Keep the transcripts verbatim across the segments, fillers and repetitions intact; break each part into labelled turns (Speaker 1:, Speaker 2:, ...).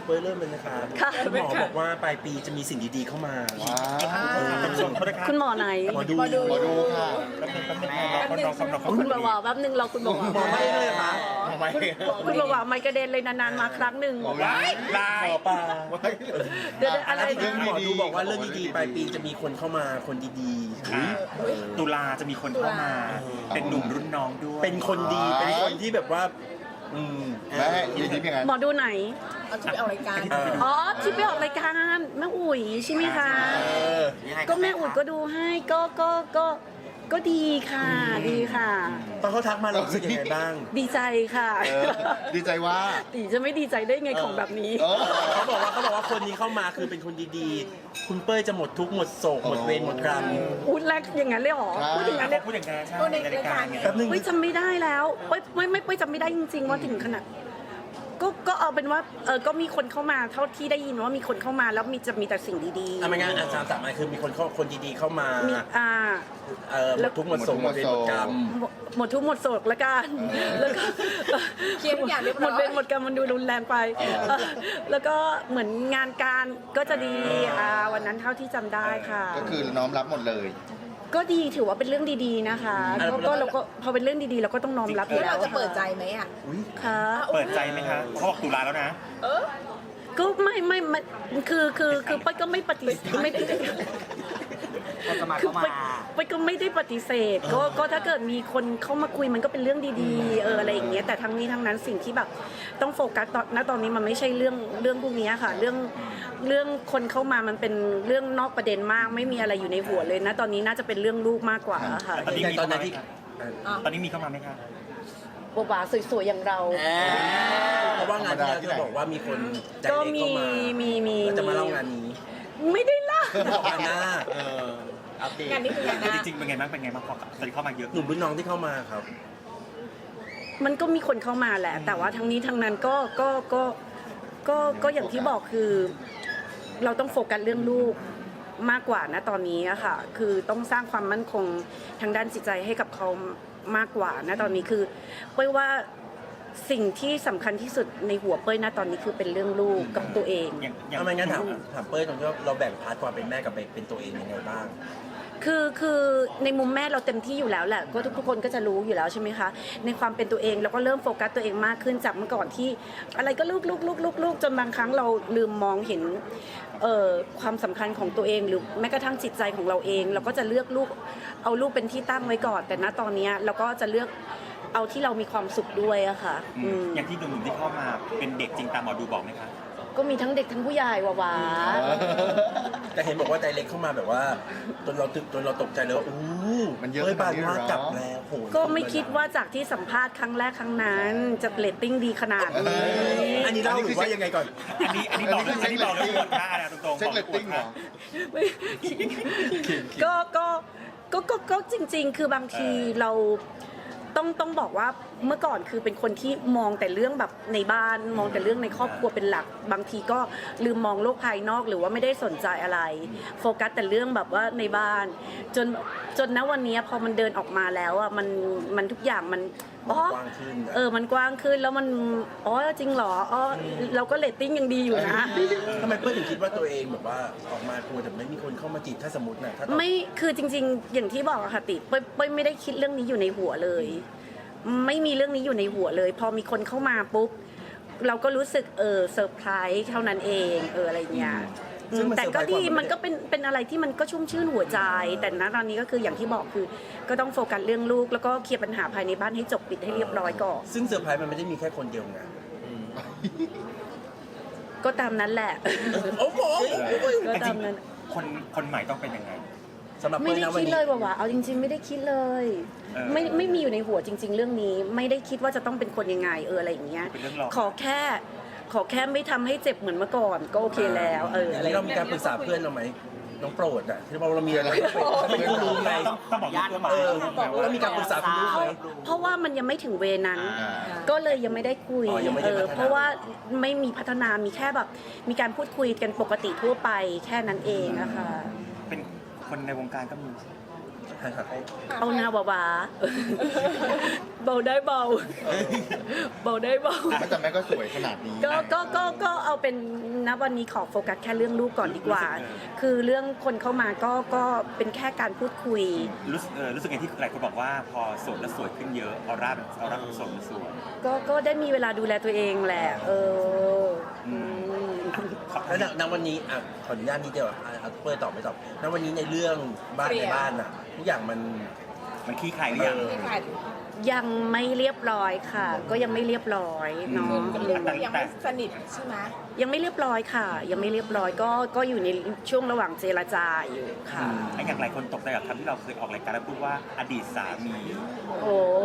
Speaker 1: เปิ้ลเริ่มเลยนะคะคุณหมอบอกว่าปลายปีจะมีสิ่งดีๆเข้ามา
Speaker 2: คุณหมอไหน
Speaker 1: หมอดู
Speaker 3: หมอดู
Speaker 1: ค่ะ
Speaker 2: คุณบอกว่าแป๊บนึงเราคุณบอกว่า
Speaker 1: หมอไม่เลยค่ะ
Speaker 2: คุณบอกว่าไม่กระเด็นเลยนานๆมาครั้งหนึ่ง
Speaker 1: หมอปลา
Speaker 2: เดี๋ยวอะไร
Speaker 1: ที่หมอดูบอกว่าเรื่องดีๆปลายปีจะมีคนเข้ามาคนดีๆ
Speaker 4: ตุลาจะมีคนเข้ามาเป็นหนุ่มรุ่นน้องด้วย
Speaker 1: เป็นคนดีเป็นคนที่แบบว่าอืม
Speaker 3: แม่ยินดีเป็นไง
Speaker 2: หมอดูไหน
Speaker 5: เอาที่ไปออกรายการ
Speaker 2: อ๋อที่ไปออกรายการแม่อุ๋ยใช่ไหมคะก็แม่อุ๋ยก็ดูให้ก็ก็ก็ก็ดีค่ะดีค่ะ
Speaker 1: ตอนเขาทักมาเรารู้สึกยังไงบ้าง
Speaker 2: ดีใจค่ะ
Speaker 3: ดีใจว่า
Speaker 2: ตีจะไม่ดีใจได้ไงของแบบนี้
Speaker 1: เขาบอกว่าเขาบอกว่าคนนี้เข้ามาคือเป็นคนดีๆคุณเป้ยจะหมดทุกข์หมดโศกหมดเวรหมดกรรม
Speaker 2: พูดแรกอย่างนั้นเลยหรอพูดอย่างนั้นเลย
Speaker 4: พูดอย่างนั้นใช่
Speaker 5: พูดในรายการไง
Speaker 1: แป๊บนึง
Speaker 2: ไม่จำไม่ได้แล้วไม่ไม่ไม่ไม่จำไม่ได้จริงๆว่าถึงขนาดก็ก็เอาเป็นว่าเออก็มีคนเข้ามาเท่าที่ได้ยินว่ามีคนเข้ามาแล้วมีจะมีแต่สิ่งดีๆ
Speaker 1: อ่ะไม่งั้นอาจารย์สามอันคือมีคนเข้าคนดีๆเข้ามา
Speaker 2: อ่า
Speaker 1: เอ่อหมดทุกข์หมดโศกหมดเวรหมดกรรม
Speaker 2: หมดทุกข์หมดโศกละกันแล้วก็
Speaker 5: เคลียร์ทุกอย่างเรียบร้อย
Speaker 2: หมดเวรหมดกรรมมันดูรุนแรงไปแล้วก็เหมือนงานการก็จะดีอ่าวันนั้นเท่าที่จำได้ค่ะ
Speaker 3: ก็คือน้อมรับหมดเลย
Speaker 2: ก็ดีถือว่าเป็นเรื่องดีๆนะคะก็เราก็พอเป็นเรื่องดีๆเราก็ต้องน้อมรับอยู่แล้ว
Speaker 5: เราจะเปิดใจไหมอ่ะ
Speaker 2: ค่ะ
Speaker 4: เปิดใจไหมคะเขาบอกตุลาแล้วนะ
Speaker 5: เออ
Speaker 2: ก็ไม่ไม่ไม่คือคือคือป้าก็ไม่ปฏิเสธไม่ได้คือป้าก็ไม่ได้ปฏิเสธก็ก็ถ้าเกิดมีคนเข้ามาคุยมันก็เป็นเรื่องดีๆเอออะไรอย่างเงี้ยแต่ทั้งนี้ทั้งนั้นสิ่งที่แบบต้องโฟกัสตอนณตอนนี้มันไม่ใช่เรื่องเรื่องพวกนี้ค่ะเรื่องเรื่องคนเข้ามามันเป็นเรื่องนอกประเด็นมากไม่มีอะไรอยู่ในหัวเลยนะตอนนี้น่าจะเป็นเรื่องลูกมากกว่าค่ะ
Speaker 4: ตอนนี้มีตอนนี้ตอนนี้มีเข้ามาไหมคะ
Speaker 2: บัวบาสวยๆอย่างเรา
Speaker 1: เพราะว่างานที่เราจะบอกว่ามีคนใจเล็กเข้ามา
Speaker 2: มีมี
Speaker 1: จะมาเล่างานนี้
Speaker 2: ไม่ได้ล่ะ
Speaker 1: งานหน้า
Speaker 4: อัปเดตงานนี้คืองานหน้าจริงๆเป็นไงบ้างเป็นไงบ้างพอตอนนี้เข้ามาเยอะ
Speaker 1: หนุ่มรุ่นน้องที่เข้ามาครับ
Speaker 2: มันก็มีคนเข้ามาแหละแต่ว่าทั้งนี้ทั้งนั้นก็ก็ก็ก็ก็อย่างที่บอกคือเราต้องโฟกัสเรื่องลูกมากกว่านะตอนนี้อะค่ะคือต้องสร้างความมั่นคงทางด้านจิตใจให้กับเขามากกว่านะตอนนี้คือเป้ยว่าสิ่งที่สำคัญที่สุดในหัวเป้ยนะตอนนี้คือเป็นเรื่องลูกกับตัวเอง
Speaker 1: ทำไมงั้นถามถามเป้ยตรงที่เราแบ่งพาร์ทความเป็นแม่กับเป็นตัวเองยังไงบ้าง
Speaker 2: คือคือในมุมแม่เราเต็มที่อยู่แล้วแหละก็ทุกคนก็จะรู้อยู่แล้วใช่ไหมคะในความเป็นตัวเองแล้วก็เริ่มโฟกัสตัวเองมากขึ้นจากเมื่อก่อนที่อะไรก็ลูกลูกลูกลูกลูกจนบางครั้งเราลืมมองเห็นเอ่อความสำคัญของตัวเองหรือแม้กระทั่งจิตใจของเราเองเราก็จะเลือกลูกเอาลูกเป็นที่ตั้งไว้ก่อนแต่ณตอนนี้เราก็จะเลือกเอาที่เรามีความสุขด้วยอะค่ะ
Speaker 4: อย่างที่หนุ่มๆที่เข้ามาเป็นเด็กจริงตามหมอดูบอกไหมคะ
Speaker 2: ก็มีทั้งเด็กทั้งผู้ใหญ่วะ
Speaker 1: แต่เห็นบอกว่าใจเล็กเข้ามาแบบว่าจนเราตึกจนเราตกใจเลยว่าอู้
Speaker 3: มันเยอะ
Speaker 1: ไปมากลับแล้วโห
Speaker 2: ก็ไม่คิดว่าจากที่สัมภาษณ์ครั้งแรกครั้งนั้นจะเรตติ้งดีขนาดนี้
Speaker 1: อันนี้เล่าหรือว่ายังไงก่อน
Speaker 4: อันนี้อันนี้บอกอันนี้บอกเรื่องหมดค่านะตรงๆ
Speaker 3: เช็คเรตติ้งเหรอ
Speaker 2: ก็ก็ก็ก็ก็จริงๆคือบางทีเราต้องต้องบอกว่าเมื่อก่อนคือเป็นคนที่มองแต่เรื่องแบบในบ้านมองแต่เรื่องในครอบครัวเป็นหลักบางทีก็ลืมมองโลกภายนอกหรือว่าไม่ได้สนใจอะไรโฟกัสแต่เรื่องแบบว่าในบ้านจนจนณวันนี้พอมันเดินออกมาแล้วอ่ะมันมันทุกอย่างมัน
Speaker 1: อ๋อ
Speaker 2: เออมันกว้างขึ้นแล้วมันอ๋อจริงเหรออ๋อเราก็เรตติ้งยังดีอยู่นะ
Speaker 1: ทำไมเพื่อนถึงคิดว่าตัวเองแบบว่าออกมากลัวแต่ไม่มีคนเข้ามาจีบถ้าสมมตินะถ้า
Speaker 2: ไม่คือจริงๆอย่างที่บอกอะค่ะติเป้ยเป้ยไม่ได้คิดเรื่องนี้อยู่ในหัวเลยไม่มีเรื่องนี้อยู่ในหัวเลยพอมีคนเข้ามาปุ๊บเราก็รู้สึกเออเซอร์ไพรส์เท่านั้นเองเอออะไรเงี้ยแต่ก็ดีมันก็เป็นเป็นอะไรที่มันก็ชุ่มชื่นหัวใจแต่ณตอนนี้ก็คืออย่างที่บอกคือก็ต้องโฟกัสเรื่องลูกแล้วก็เคลียร์ปัญหาภายในบ้านให้จบปิดให้เรียบร้อยก่อน
Speaker 1: ซึ่งเซอร์ไพรส์มันไม่ได้มีแค่คนเดียวไง
Speaker 2: ก็ตามนั้นแหละ
Speaker 1: โอ้โห
Speaker 2: ก็ตามนั้น
Speaker 4: คนคนใหม่ต้องเป็นยังไง
Speaker 2: ไม่ได้คิดเลยว่าเอาจริงๆไม่ได้คิดเลยไม่ไม่มีอยู่ในหัวจริงๆเรื่องนี้ไม่ได้คิดว่าจะต้องเป็นคนยังไงเอออะไรอย่างเงี้ยขอแค่ขอแค่ไม่ทำให้เจ็บเหมือนเมื่อก่อนก็โอเคแล้วเออ
Speaker 1: อะไรเรามีการปรึกษาเพื่อนเราไหมน้องโปรดอ่ะที่เราเรามีอะไรเป็นผู้รู้ไง
Speaker 4: ต้องบอกญาติ
Speaker 1: เออแล้วมีการปรึกษาคุณรู้ไหม
Speaker 2: เพราะว่ามันยังไม่ถึงเวนั้นก็เลยยังไม่ได้คุยเออเพราะว่าไม่มีพัฒนามีแค่แบบมีการพูดคุยกันปกติทั่วไปแค่นั้นเองนะคะ
Speaker 4: เป็นคนในวงการก็มี
Speaker 1: หันขาเข้า
Speaker 2: เอาหน้าบาๆ เบาได้เบา เบาได้เบา
Speaker 3: แม่แต่แม่ก็สวยขนาดนี้
Speaker 2: ก็ก็ก็ก็เอาเป็นณวันนี้ขอโฟกัสแค่เรื่องลูกก่อนดีกว่า คือเรื่องคนเข้ามาก็ก็เป็นแค่การพูดคุย
Speaker 4: รู้สึกเออรู้สึกไงที่หลายคนบอกว่าพอโสดแล้วสวยขึ้นเยอะออร่าออร่าของโสดมันสวย
Speaker 2: ก็ก็ได้มีเวลาดูแลตัวเองแหละ เอออืม
Speaker 1: แล้วณวันนี้อ่ะขออนุญาตนิดเดียวอ่ะเอาเปิดตอบไม่ตอบณวันนี้ในเรื่องบ้านในบ้านอ่ะทุกอย่างมัน
Speaker 4: มันขี้ขายหรือยัง
Speaker 1: เออ
Speaker 5: ที่ขาย
Speaker 2: ยังไม่เรียบร้อยค่ะ ก็ยังไม่เรียบร้อยเนาะ
Speaker 5: ก็เรียกว่ายังไม่สนิทใช่ไหม
Speaker 2: ยังไม่เรียบร้อยค่ะ ยังไม่เรียบร้อยก็ก็อยู่ในช่วงระหว่างเจรจาอยู่ค่ะ
Speaker 4: ไอ้อย่างหลายคนตกใจกับคำที่เราเคยออกรายการแล้วพูดว่าอดีตสามี
Speaker 2: โอ้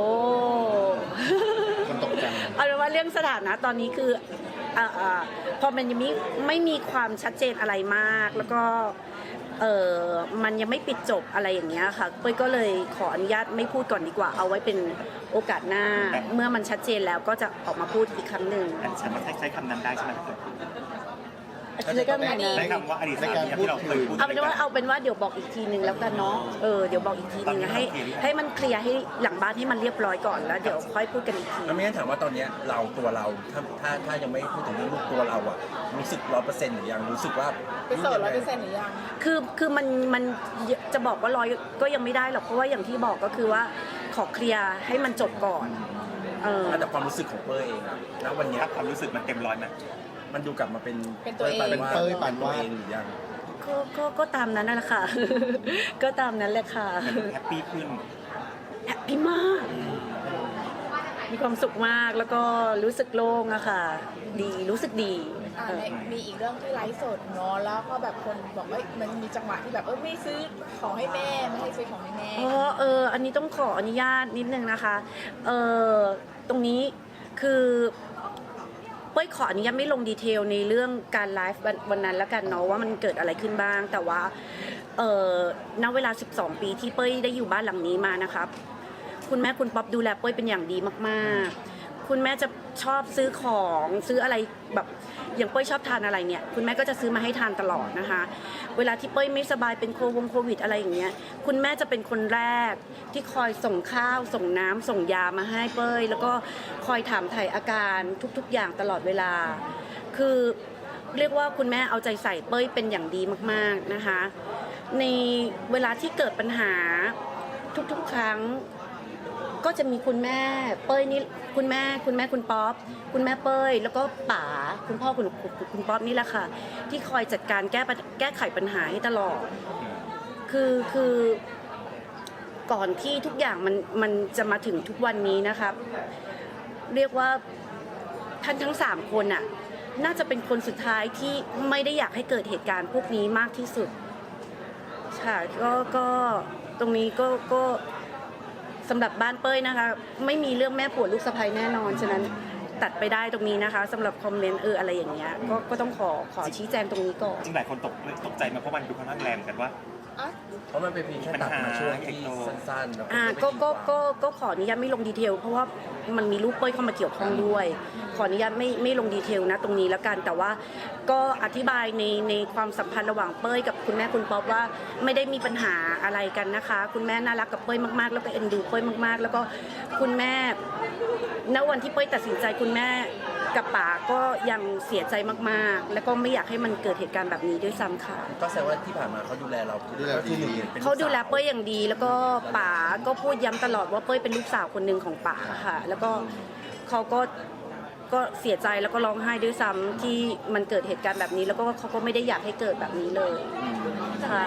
Speaker 3: คนตกใจ
Speaker 2: เอาเป็นว่าเรื่องสถานะตอนนี้คืออ่าอ่าพอมันยังไม่ไม่มีความชัดเจนอะไรมาก แล้วก็เออมันยังไม่ปิดจบอะไรอย่างเงี้ยค่ะเป้ยก็เลยขออนุญาตไม่พูดก่อนดีกว่า เอาไว้เป็นโอกาสหน้า เมื่อมันชัดเจนแล้วก็จะออกมาพูดอีกครั้งหนึ่ง
Speaker 4: อันฉันใช้ใช้คำนั้นได้ใช่ไหม
Speaker 2: ใช้คำไหนนะ
Speaker 4: ใช้คำว่าอดีตสามีที่เราเคยพูด
Speaker 2: เอาเป็นว่าเอาเป็นว่าเดี๋ยวบอกอีกทีหนึ่งแล้วกันเนาะเออเดี๋ยวบอกอีกทีหนึ่งให้ให้มันเคลียร์ให้หลังบ้านให้มันเรียบร้อยก่อนแล้วเดี๋ยวค่อยพูดกันอีกที
Speaker 1: แล้วไม่งั้นถามว่าตอนเนี้ยเราตัวเราถ้าถ้าถ้ายังไม่พูดถึงเรื่องลูกตัวเราอ่ะรู้สึกร้อยเปอร์เซ็นต์หรือยังรู้สึกว่า
Speaker 5: เป็นโสดร้อยเปอร์เซ็นต์หรือยัง
Speaker 2: คือคือมันมันจะบอกว่าร้อยก็ยังไม่ได้หรอกเพราะว่าอย่างที่บอกก็คือว่าขอเคลียร์ให้มันจบก่อนเออ
Speaker 1: แต่ความรู้สึกของเป้ยเองอะณวันเนี้ย
Speaker 4: ถ้าความรู้สึกมันเต็มร้อยไหม
Speaker 1: มันดูกลับมาเป็น
Speaker 5: เป็นตัวเอง
Speaker 1: ปาน
Speaker 3: เป็นเป้ยปานวาด
Speaker 1: ตัวเองหรือยัง
Speaker 2: ก็ก็ก็ตามนั้นนั่นแหละค่ะ ก็ตามนั้นแหละค่ะ
Speaker 4: แฮปปี้ขึ้น
Speaker 2: แฮปปี้มาก มีความสุขมากแล้วก็รู้สึกโล่งอะค่ะ ดีรู้สึกดี
Speaker 5: อ่า
Speaker 2: เออ
Speaker 5: ในมีอีกเรื่องที่ไลฟ์สดเนาะแล้วก็แบบคนบอกว่ามันมีจังหวะที่แบบเออไม่ซื้อของให้แม่ไม่ให้ซื้อของให้แม่
Speaker 2: อ๋อเอออันนี้ต้องขออนุญาตนิดนึงนะคะเออตรงนี้คือเป้ยขออนุญาตไม่ลงดีเทลในเรื่องการไลฟ์วันวันนั้นแล้วกันเนาะว่ามันเกิดอะไรขึ้นบ้าง แต่ว่าเออณเวลาสิบสองปีที่เป้ยได้อยู่บ้านหลังนี้มานะครับ คุณแม่คุณป๊อปดูแลเป้ยเป็นอย่างดีมากๆ คุณแม่จะชอบซื้อของซื้ออะไรแบบอย่างเป้ยชอบทานอะไรเนี่ยคุณแม่ก็จะซื้อมาให้ทานตลอดนะคะ เวลาที่เป้ยไม่สบายเป็นโควงโควิดอะไรอย่างเงี้ยคุณแม่จะเป็นคนแรกที่คอยส่งข้าวส่งน้ำส่งยามาให้เป้ยแล้วก็คอยถามไถ่อาการทุกๆอย่างตลอดเวลา คือเรียกว่าคุณแม่เอาใจใส่เป้ยเป็นอย่างดีมากๆนะคะ ในเวลาที่เกิดปัญหาทุกๆครั้ง ก็จะมีคุณแม่เป้ยนี่คุณแม่คุณแม่คุณป๊อปคุณแม่เป้ยแล้วก็ป๋าคุณพ่อคุณคุณป๊อปนี่แหละค่ะ ที่คอยจัดการแก้ปัญแก้ไขปัญหาให้ตลอด คือคือก่อนที่ทุกอย่างมันมันจะมาถึงทุกวันนี้นะครับ เรียกว่าท่านทั้งสามคนน่ะน่าจะเป็นคนสุดท้ายที่ไม่ได้อยากให้เกิดเหตุการณ์พวกนี้มากที่สุดค่ะก็ก็ตรงนี้ก็ก็สำหรับบ้านเป้ยนะคะไม่มีเรื่องแม่ผัวลูกสะใภ้แน่นอนฉะนั้นตัดไปได้ตรงนี้นะคะสำหรับคอมเมนต์เอออะไรอย่างเงี้ยก็ก็ต้องขอขอชี้แจงตรงนี้ก่อน
Speaker 4: จริงหลายคนตกตกใจมาเพราะมันดูค่อนข้างแรงกันว่า
Speaker 5: อ่ะ
Speaker 1: เพราะมันเป็นเพียงแค่ตัดมาช่วงที่สั้นๆแล้ว
Speaker 2: อ่า
Speaker 1: ก็
Speaker 2: ก็
Speaker 1: ไม่
Speaker 2: ก็
Speaker 1: ตีความ
Speaker 2: ก็ก็ขออนุญาตไม่ลงดีเทลเพราะว่ามันมีรูปเป้ยเข้ามาเกี่ยวข้องด้วย ขออนุญาตไม่ไม่ลงดีเทลนะตรงนี้แล้วกัน แต่ว่าก็อธิบายในในความสัมพันธ์ระหว่างเป้ยกับคุณแม่คุณป๊อปว่าไม่ได้มีปัญหาอะไรกันนะคะ คุณแม่น่ารักกับเป้ยมากๆ แล้วก็เอ็นดูเป้ยมากๆ แล้วก็คุณแม่ณวันที่เป้ยตัดสินใจคุณแม่กับป๋าก็ยังเสียใจมากๆ แล้วก็ไม่อยากให้มันเกิดเหตุการณ์แบบนี้ด้วยซ้ำค่ะ
Speaker 1: ก็แสดงว่าที่ผ่านมาเขาดูแลเรา
Speaker 3: ดูแล
Speaker 1: ก็คือหนึ่ง
Speaker 3: ดี
Speaker 1: ป็น
Speaker 2: เขาดูแล
Speaker 1: สว
Speaker 2: เป้ยอย่างดี แล้วก็ป๋าก็พูดย้ำตลอดว่าเป้ยเป็นลูกสาวคนหนึ่งของป๋าค่ะ แล้วก็เขาก็ก็เสียใจแล้วก็ร้องไห้ด้วยซ้ำที่มันเกิดเหตุการณ์แบบนี้ แล้วก็เขาก็ไม่ได้อยากให้เกิดแบบนี้เลยค่ะ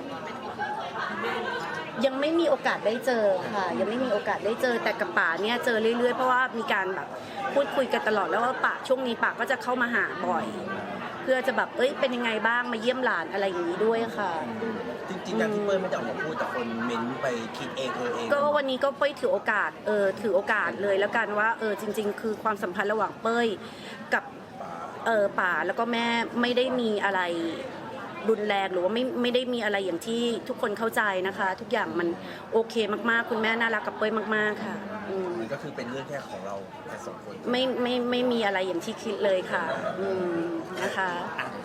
Speaker 2: ยังไม่มีโอกาสได้เจอค่ะ ยังไม่มีโอกาสได้เจอแต่กับป๋าเนี่ยเจอเรื่อยๆเพราะว่ามีการแบบพูดคุยกันตลอดแล้วว่าป๋าช่วงนี้ป๋าก็จะเข้ามาหาบ่อย เพื่อจะแบบเอ้ยเป็นยังไงบ้างมาเยี่ยมหลานอะไรอย่างนี้ด้วยค่ะ
Speaker 1: จริงๆการที่เป้ยไม่ได้ออกมาพูดแต่คนเม้นไปคิดเองเออเอง
Speaker 2: ก็วันนี้ก็เป้ยถือโอกาสเออถือโอกาสเลยแล้วกันว่าเออจริง ๆ คือความสัมพันธ์ระหว่างเป้ยกับเออป๋าแล้วก็แม่ไม่ได้มีอะไรรุนแรงหรือว่าไม่ไม่ได้มีอะไรอย่างที่ทุกคนเข้าใจนะคะ ทุกอย่างมันโอเคมากๆคุณแม่น่ารักกับเป้ยมากๆค่ะอืม
Speaker 1: มันก็คือเป็นเรื่องแค่ของเราแค่สองคน
Speaker 2: ไม่ไม่ไม่มีอะไรอย่างที่คิดเลยค่ะอืมนะคะ
Speaker 4: อ่ะ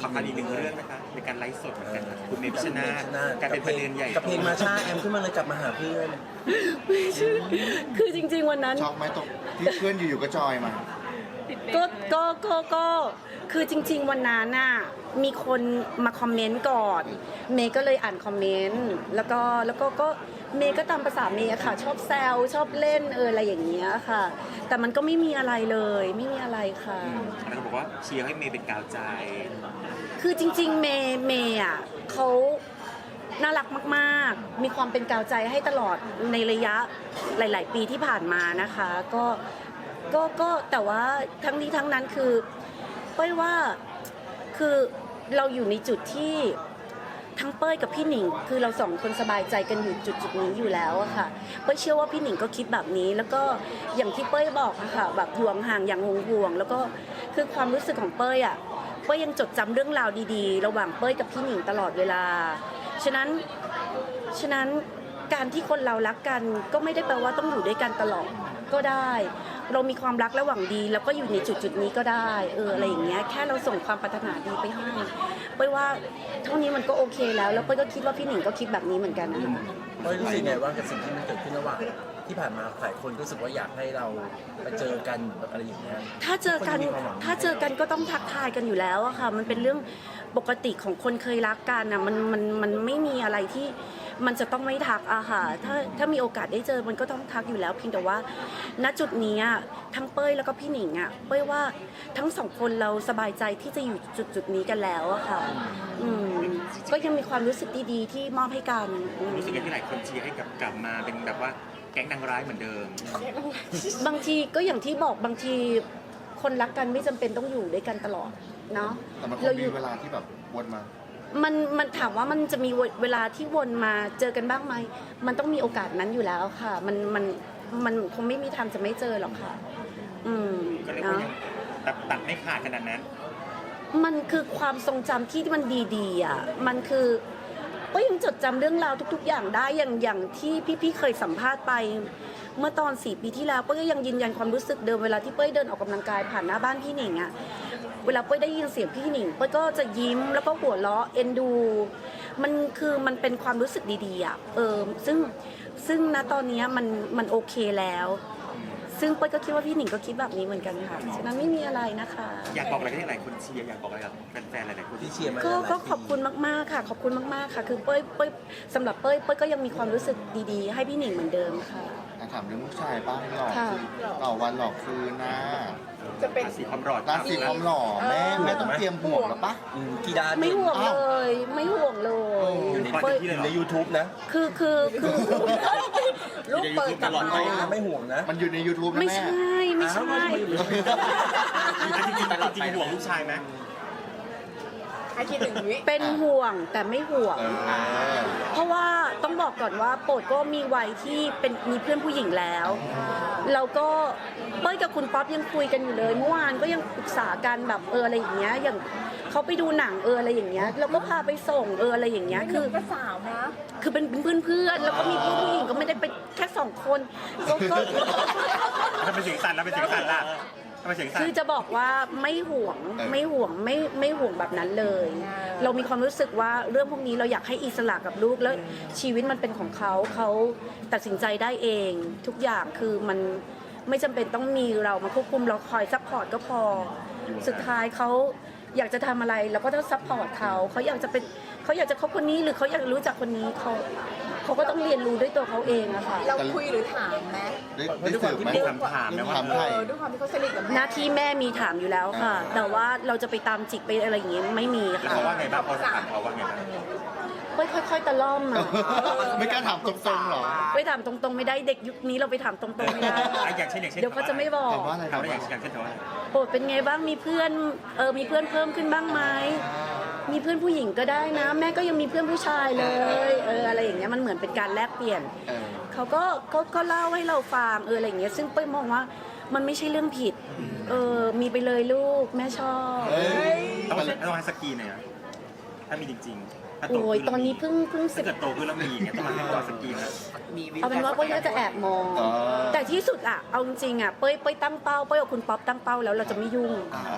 Speaker 4: ขอคันอีกหนึ่งเรื่องนะคะในการไลฟ์สดเหมือนกันนะคุณเมพิชนาธิ์กลายเป็นประเด็นใหญ่
Speaker 1: กับเพลงมาชาแอมขึ้นมาเลยกลับมาหาเพื่อน
Speaker 2: คือจริง ๆ วันนั้น
Speaker 3: ช็อกไหมตรงที่เพื่อนอยู่ๆก็จอยมา
Speaker 2: ก็ก็ก็ก็คือจริง ๆ วันนั้นน่ะมีคนมาคอมเมนต์ก่อน เมย์ก็เลยอ่านคอมเมนต์แล้วก็แล้วก็ก็เมย์ก็ตามภาษาเมย์อะค่ะ ชอบแซวชอบเล่นเอออะไรอย่างเงี้ยค่ะ แต่มันก็ไม่มีอะไรเลยไม่มีอะไรค่ะ
Speaker 4: แล้วก็บอกว่าเชียร์ให้เมย์เป็นกาวใจ
Speaker 2: คือจริงๆเมย์เมย์อ่ะเขาน่ารักมากๆ มีความเป็นกาวใจให้ตลอดในระยะหลายๆปีที่ผ่านมานะคะก็ก็ก็แต่ว่าทั้งนี้ทั้งนั้นคือเป้ยว่าคือเราอยู่ในจุดที่ทั้งเป้ยกับพี่หนิงคือเราสองคนสบายใจกันอยู่จุดจุดนี้อยู่แล้วอะค่ะเป้ยเชื่อว่าพี่หนิงก็คิดแบบนี้แล้วก็อย่างที่เป้ยบอกอะค่ะแบบห่วงห่างอย่างห่วงห่วงแล้วก็คือความรู้สึกของเป้ยอะเป้ยยังจดจำเรื่องราวดีๆ ระหว่างเป้ยกับพี่หนิงตลอดเวลาฉะนั้นฉะนั้นการที่คนเรารักกันก็ไม่ได้แปลว่าต้องอยู่ด้วยกันตลอดก็ได้ เรามีความรักและหวังดีแล้วก็อยู่ในจุดจุดนี้ก็ได้เอออะไรอย่างเงี้ยแค่เราส่งความปรารถนาดีไปให้เป้ยว่าเท่านี้มันก็โอเคแล้วแล้วเป้ยก็คิดว่าพี่หนิงก็คิดแบบนี้เหมือนกันนะ
Speaker 1: เฮ้ยรู้สึกไงว่ากับสิ่งที่มันเกิดขึ้นระหว่างที่ผ่านมาหลายคนรู้สึกว่าอยากให้เราไปเจอกันแบบอะไรอย่างเงี้ย
Speaker 2: ถ้าเจอกัน
Speaker 1: คนที่มีความหวัง
Speaker 2: ถ้าเจอกันก็ต้องทักทายกันอยู่แล้วอะค่ะมันเป็นเรื่องปกติของคนเคยรักกันอะมันมันมันไม่มีอะไรที่มันจะต้องไม่ทักอะค่ะถ้าถ้ามีโอกาสได้เจอมันก็ต้องทักอยู่แล้วเพียงแต่ว่าณจุดนี้อะทั้งเป้ยแล้วก็พี่หนิงอะเป้ยว่าทั้งสองคนเราสบายใจที่จะอยู่จุดจุดนี้กันแล้วอะค่ะอืมก็ยังมีความรู้สึกดีๆที่มอบให้กันอืม
Speaker 4: รู้สึกยังที่หลายคนเชียร์ให้กลับกลับมาเป็นแบบว่าแก๊งนางร้ายเหมือนเดิม
Speaker 2: บางทีก็อย่างที่บอกบางทีคนรักกันไม่จำเป็นต้องอยู่ด้วยกันตลอดเนาะ
Speaker 3: แต่มันคง
Speaker 2: เราอ
Speaker 3: มี
Speaker 2: ยู่
Speaker 3: เวลาที่แบบวนมา
Speaker 2: มันมันถามว่ามันจะมีเวลาที่วนมาเจอกันบ้างไหมมันต้องมีโอกาสนั้นอยู่แล้วค่ะ มันมันมันคงไม่มีทางจะไม่เจอหรอกค่ะ อืม
Speaker 4: ก็เรียกว่า
Speaker 2: เนาะ
Speaker 4: ยังตัดตัดไม่ขาดขนาดนั้น
Speaker 2: มันคือความทรงจำที่มันดีๆอ่ะมันคือก็ยังจดจำเรื่องราวทุก ๆ อย่างได้อย่างอย่างที่พี่ๆเคยสัมภาษณ์ไป เมื่อตอนสี่ปีที่แล้วเป้ยก็ยังยืนยันความรู้สึกเดิมเวลาที่เป้ยเดินออกกำลังกายผ่านหน้าบ้านพี่หนิงอะเวลาเป้ยได้ยินเสียงพี่หนิงเป้ยก็จะยิ้มแล้วก็หัวเราะเอ็นดู มันคือมันเป็นความรู้สึกดีๆอะเออซึ่งซึ่งณตอนนี้มันมันโอเคแล้ว ซึ่งเป้ยก็คิดว่าพี่หนิงก็คิดแบบนี้เหมือนกันค่ะฉะนั้นไม่มีอะไรนะคะ
Speaker 4: อยากบอกอะไรให้หลายคนเชียร์อยากบอกอะไรกับแฟนๆหลายๆคน
Speaker 1: ที่
Speaker 4: ที่
Speaker 1: เชียร์มา
Speaker 2: ก็
Speaker 1: หลายๆ
Speaker 2: ก็
Speaker 1: ปี
Speaker 2: ขอบคุณมากๆค่ะ ขอบคุณมากๆค่ะ คือเป้ยเป้ยสำหรับเป้ยเป้ยก็ยังมีความรู้สึกดีๆ ให้พี่หนิงเหมือนเดิมค่ะ
Speaker 3: อ่ะถามเรื่องลูกชายบ้างหลอก
Speaker 2: ค่ะ
Speaker 3: ต่อวันหลอกคืนนะ
Speaker 5: จะเป็น
Speaker 4: ราศีความรอด
Speaker 3: ราศีความหล่อแม่
Speaker 5: เออ
Speaker 3: แม่ต้องเตรียมห่วงแล้วปะ
Speaker 1: อืมกี่ด้าน
Speaker 2: ไม่ห่วง
Speaker 3: อ้าว
Speaker 2: เลย ไม่ห่วงเลย
Speaker 1: อยู่ใน
Speaker 2: เป้ย
Speaker 1: อยู่ใน YouTube นะ
Speaker 2: คือคือคือ
Speaker 5: ลูกเปิดกับ
Speaker 1: ตลอดไป
Speaker 5: น้อง
Speaker 1: นะไม่ห่วงนะ
Speaker 3: มันอยู่ใน YouTube นะ
Speaker 2: ไม่
Speaker 3: แม่
Speaker 2: ใช่ไม่ใช่
Speaker 1: อ้าวว่าทำไมอยู่ใน YouTube
Speaker 4: จริงๆจริงๆห่วงลูกชายไหม
Speaker 5: ไอคิดถึงวิ
Speaker 2: เป็นห่วงแต่ไม่ห่วง
Speaker 3: เออ
Speaker 2: เพราะว่าต้องบอกก่อนว่าโปรดก็มีวัยที่เป็นมีเพื่อนผู้หญิงแล้วแล้วก็เป้ยกับคุณป๊อปยังคุยกันอยู่เลยเมื่อวานก็ยังปรึกษากันแบบเอออะไรอย่างเงี้ยอย่างเขาไปดูหนังเอออะไรอย่างเงี้ยเราก็พาไปส่งเอออะไรอย่างเงี้ย
Speaker 5: คื
Speaker 2: คือ อ
Speaker 5: ก็สาวนะ
Speaker 2: คือเป็นเพื่อนเพื่อนๆแล้วก็มีเพื่อนผู้หญิงก็ไม่ได้เป็นแค่สองคนก็ก็
Speaker 4: ถ้าเป็นเสียงสั่นแล้วเป็นเสียงสั่นล่ะถ้าเป็นเสียงสั่น
Speaker 2: คือจะบอกว่าไม่ห่วง
Speaker 3: เออ
Speaker 2: ไม่ห่วงไม่ไม่ห่วงแบบนั้นเลย เรามีความรู้สึกว่าเรื่องพวกนี้เราอยากให้อิสระกับลูกแล้วชีวิตมันเป็นของเขาเขาตัดสินใจได้เอง ทุกอย่างคือมันไม่จำเป็นต้องมีเรามาควบคุมเราคอยซัพพอร์ตก็พอ สุดท้ายเขาอยากจะทำอะไรเราก็ต้องซัพพอร์ตเขาเขาอยากจะเป็นเขาอยากจะคบคนนี้หรือเขาอยากรู้จักคนนี้เขาเขาก็ต้องเรียนรู้ด้วยตัวเขาเองอะค่ะ
Speaker 5: เราคุยหรือถามไหม
Speaker 3: ได้ได้สืบไหม
Speaker 4: มีคำถามนะว่า
Speaker 3: ถาม
Speaker 5: เอ
Speaker 3: ไทย
Speaker 5: อด้วยความที่เขาสนิทกับแม่
Speaker 2: หน้าที่แม่มีถามอยู่แล้วค่ะ
Speaker 3: อ่า
Speaker 2: แต่ว่าเราจะไปตามจิกไปอะไรอย่างเงี้ยไม่มี
Speaker 4: แล้ว
Speaker 2: ค่ะ
Speaker 4: เขาว่าไงบ้างพอถามเขาว่าไงบ้าง
Speaker 2: ค่อยๆตะล่อมอะ
Speaker 3: ไม่กล้าถามตรงๆหรอ
Speaker 2: ไปถามตรงๆไม่ได้เด็กยุคนี้เราไปถามตรงๆไม่ได้
Speaker 4: อ่ะอย่างเช่นอย่างเช่น
Speaker 2: เดี๋ยวเขาจะไม่บอก
Speaker 3: ถามว่าอะไร
Speaker 4: ถามว่าอย่างอย่างเช่นถามว่า
Speaker 2: โปรดเป็นไงบ้างมีเพื่อนเออมีเพื่อนเพิ่มขึ้นบ้างไหมมีเพื่อนผู้หญิงก็ได้นะ แม่ก็ยังมีเพื่อนผู้ชายเลยเอออะไรอย่างเงี้ยมันเหมือนเป็นการแลกเปลี่ยน
Speaker 3: เออ
Speaker 2: เขาก็ก็ก็เล่าให้เราฟังเอออะไรอย่างเงี้ยซึ่งเป้ยมองว่ามันไม่ใช่เรื่องผิดเออมีไปเลยลูกแม่ชอบ
Speaker 3: เอ้ย
Speaker 4: ต้องต้องให้สกีหน่อยอะถ้ามีจริงๆถ้าโต
Speaker 2: โอ้ย
Speaker 4: ขึ้น
Speaker 2: ตอนนี้เพิ่งเพิ่งสิ
Speaker 4: ถ้า
Speaker 2: บ
Speaker 4: เกิดโตขึ้นแล้วมีอย่างเงี้ยต้องมาให้ต่อสกีนะ
Speaker 2: เอาเป็นว่าเป้ยก็จะแอบมอง
Speaker 3: อ๋อ
Speaker 2: แต่ที่สุดอะเอาจริงๆอะเป้ยเป้ยตั้งเป้าเป้ยกับคุณป๊อปตั้งเป้าแล้วเราจะไม่ยุ่ง
Speaker 3: อ่า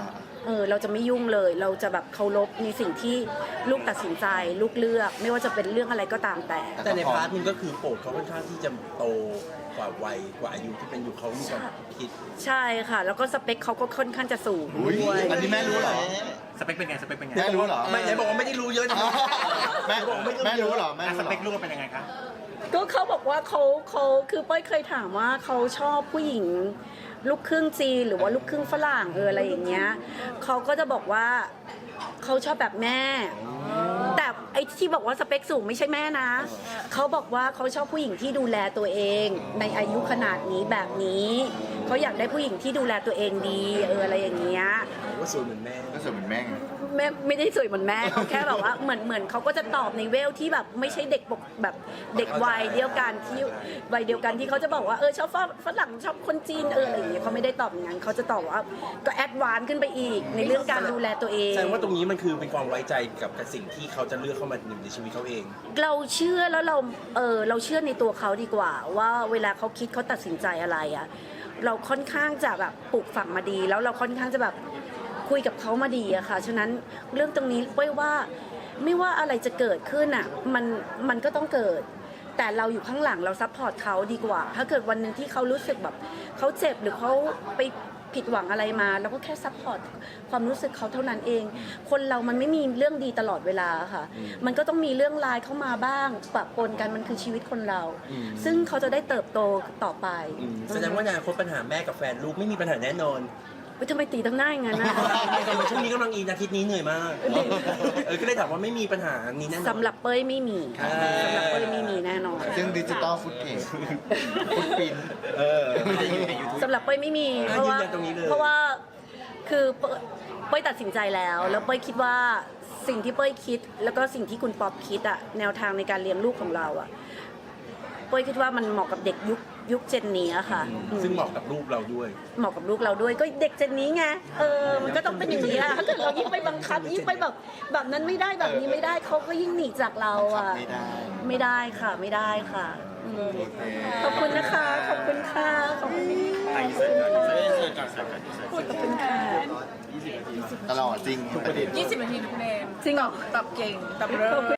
Speaker 2: เออเราจะไม่ยุ่งเลย เราจะแบบเคารพในสิ่งที่ลูกตัดสินใจลูกเลือก ไม่ว่าจะเป็นเรื่องอะไรก็ตามแต่
Speaker 1: แต่ในพาร์ทหนึงก็คือโปรดเขาค่อนข้างที่จะโตกว่าวัยกว่าอายุที่เป็นอยู่เขามีความคิด
Speaker 2: ใช่ค่ะ แล้วก็สเปคเขาก็ค่อนข้างจะสูง
Speaker 3: อุ้ย
Speaker 2: ด้วย
Speaker 3: อันนี้แม่รู้เหรอ
Speaker 4: สเปคเป็นไงสเปคเป็นไง
Speaker 3: แม่รู้เหรอ
Speaker 1: ไม่ไหนบอกว่าไม่ได้รู้เยอะนะ
Speaker 3: แม่แม่รู้เหรอแม่
Speaker 4: อ่ะส
Speaker 3: รู้เหร
Speaker 4: เป
Speaker 3: อ
Speaker 4: คลูกเป็นยังไงคะ
Speaker 2: ก็เขาบอกว่าเขาเขาคือเป้ยเคยถามว่าเขาชอบผู้หญิงลูกครึ่งจีนหรือว่าลูกครึ่งฝรั่งเอออะไรอย่างเงี้ยเขาก็จะบอกว่าเขาชอบแบบแม่ แต่ไอ้ที่บอกว่าสเปคสูงไม่ใช่แม่นะเขาบอกว่าเขาชอบผู้หญิงที่ดูแลตัวเอง ในอายุขนาดนี้แบบนี้เขาอยากได้ผู้หญิงที่ดูแลตัวเองดีเอออะไรอย่างเงี้ย
Speaker 1: ว่าสวยเหมือนแม่
Speaker 3: ก็สวยเหมือนแม่ไง
Speaker 2: แม่ไม่ได้สวยเหมือนแม่เขาแค่แบบว่าเหมือนเหมือนเขาก็จะตอบในเวลที่แบบไม่ใช่เด็กปกแบบเด็กวัยเดียวกันที่วัยเดียวกันที่เขาจะบอกว่าเออชอบฝรั่งชอบคนจีนเอออะไรอย่างเงี้ยเขาไม่ได้ตอบอย่างนั้นเขาจะตอบว่าก็แอดวานซ์ขึ้นไปอีกในเรื่องการดูแลตัวเอง
Speaker 1: แสดงว่าตรงนี้มันคือเป็นความไว้ใจกับกับสิ่งที่เขาจะเลือกเข้ามาอยู่ในชีวิตเขาเอง
Speaker 2: เราเชื่อแล้วเราเออเราเชื่อในตัวเขาดีกว่า ว่าเวลาเขาคิดเขาตัดสินใจอะไรอะเราค่อนข้างจะแบบปลูกฝังมาดี แล้วเราค่อนข้างจะแบบคุยกับเขามาดีอะค่ะฉะนั้นเรื่องตรงนี้เป้ยว่าไม่ว่าอะไรจะเกิดขึ้นอะมันมันก็ต้องเกิด แต่เราอยู่ข้างหลังเราซัพพอร์ตเขาดีกว่า ถ้าเกิดวันหนึ่งที่เขารู้สึกแบบเขาเจ็บหรือเขาไปผิดหวังอะไรมาเราก็แค่ซัพพอร์ตความรู้สึกเขาเท่านั้นเอง คนเรามันไม่มีเรื่องดีตลอดเวลาค่ะ มันก็ต้องมีเรื่องร้ายเข้ามาบ้างปะปนกันมันคือชีวิตคนเรา
Speaker 1: อืม
Speaker 2: ซึ่งเขาจะได้เติบโตต่อไป
Speaker 1: อืมแสดงว่าในอนาคตปัญหาแม่กับแฟนลูกไม่มีปัญหาแน่นอน
Speaker 2: เฮ้ยทำไมตีตั้งหน้าอย่างนั้นนะ
Speaker 1: แต่ช่วงนี้กำลังอินอาทิตย์นี้เหนื่อยมาก เออก็เลยถามว่าไม่มีปัญหานี้แน่นอน
Speaker 2: สำหรับเป้ยไม่มี
Speaker 1: อ่า
Speaker 2: สำหรับเป้ยไม่มีแน่นอน
Speaker 3: ซึ่งดิจิตอลฟุตเทจฟุตปิน
Speaker 1: เออ
Speaker 3: ไม่ได้อยู่ในยูทูบ
Speaker 2: สำหรับเป้ยไม่มี
Speaker 1: อ่า
Speaker 2: เพราะว่า
Speaker 1: ยืนยันตรงนี้เลย
Speaker 2: เพราะว่าคือเป้ยเป้ยตัดสินใจแล้ว แล้วเป้ยคิดว่าสิ่งที่เป้ยคิด แล้วก็สิ่งที่คุณป๊อปคิดอะแนวทางในการเลี้ยงลูกของเราอะเป้ยคิดว่ามันเหมาะกับเด็กยุคยุคเจนนี้อะค่ะอืม
Speaker 1: ซึ่งเหมาะกับลูกเราด้วย
Speaker 2: เหมาะกับลูกเราด้วยก็เด็กเจนนี้ไงเออมันก็ต้องเป็นอย่างนี้อะถ้าเกิดเรายิ่งไปบังคับยิ่งไปแบบแบบนั้นไม่ได้แบบนี้ไม่ได้เขาก็ยิ่งหนีจากเราอะ
Speaker 3: ไม่ได้
Speaker 2: ไม่ได้ค่ะไม่ได้ค่ะอืม
Speaker 3: โอเค
Speaker 2: ขอบคุณนะคะ ขอบคุณค่ะขอบคุณ
Speaker 4: ไอเซอร์ก่อนไอเซอร์ก่อนไอเซอร์ก่อน
Speaker 2: ขอบคุณค่ะ
Speaker 3: ตลอดจริงประเด็น
Speaker 5: ยี่สิบนาทีทุกเนม
Speaker 2: จริงเหรอ
Speaker 5: ตอบเก่งตอบเร็ว